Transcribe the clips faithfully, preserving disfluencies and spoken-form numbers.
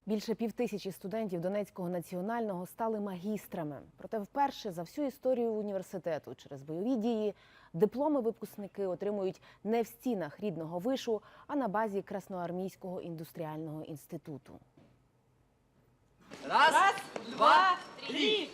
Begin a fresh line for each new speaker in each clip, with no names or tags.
Більше півтисячі студентів Донецького національного стали магістрами. Проте вперше за всю історію університету через бойові дії дипломи випускники отримують не в стінах рідного вишу, а на базі Красноармійського індустріального інституту.
Раз, Раз два, три!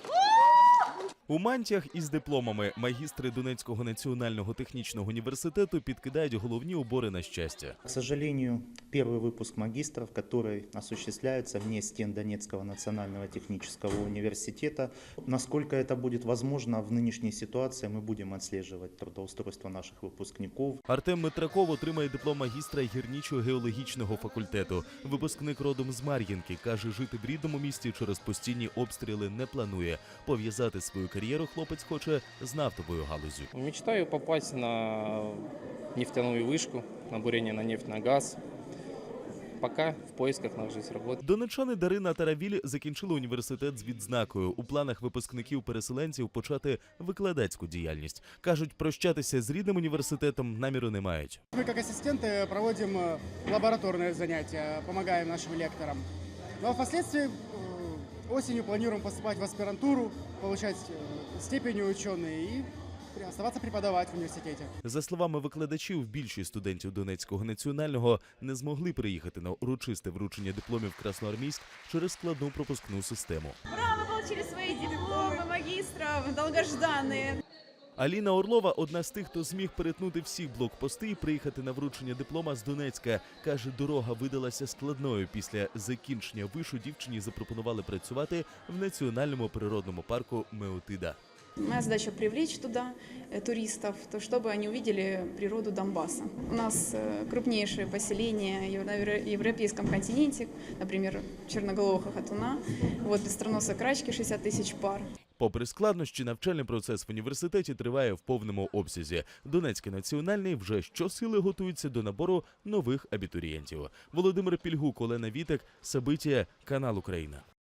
У мантіях із дипломами магістри Донецького національного технічного університету підкидають головні убори на щастя.
К сожалению, первый выпуск магистров, который осуществляется вне стен Донецкого национального технического университета. Насколько это будет возможно в нынешней ситуации, мы будем отслеживать трудоустройство наших выпускников.
Артем Митраков отримає диплом магістра гірничо-геологічного факультету. Випускник родом з Мар'їнки, каже, жити в рідному місті через постійні обстріли не планує. Пов'язати свою кар'єру хлопець хоче з нафтовою галузю.
Мечтаю попасть на нефтяную вышку, на бурение на нефть, на газ. Пока в поисках нахожусь работы.
Донеччани Дарина та Равіль закінчили університет з відзнакою. У планах випускників-переселенців почати викладацьку діяльність. Кажуть, прощатися з рідним університетом наміру не мають.
Мы как ассистенты проводим лабораторные занятия, помогаем нашим лекторам. Ну а впоследствии осенью планируем поступать в аспирантуру, получать степени ученые и оставаться преподавать в университете.
За словами викладачів, більшість студентів Донецького національного не змогли приїхати на урочисте вручення дипломів в Красноармійськ через складну пропускну систему.
Ура, мы получили свои дипломы магистров, долгожданные.
Аліна Орлова – одна з тих, хто зміг перетнути всі блокпости і приїхати на вручення диплома з Донецька. Каже, дорога видалася складною. Після закінчення вишу дівчині запропонували працювати в національному природному парку Меотида.
Моя задача привлечь туда туристов, то чтобы они увидели природу Донбасса. У нас крупнейшие поселения на европейском континенте, например, черноголового хохотуна, вот быстроносой крачки шестьдесят тысяч пар.
Попри складнощі, навчальний процес в університеті триває в повному обсязі. Донецький національний вже щосили готується до набору нових абітурієнтів. Володимир Пільгук, Олена Вітек, Сабитія, канал Україна.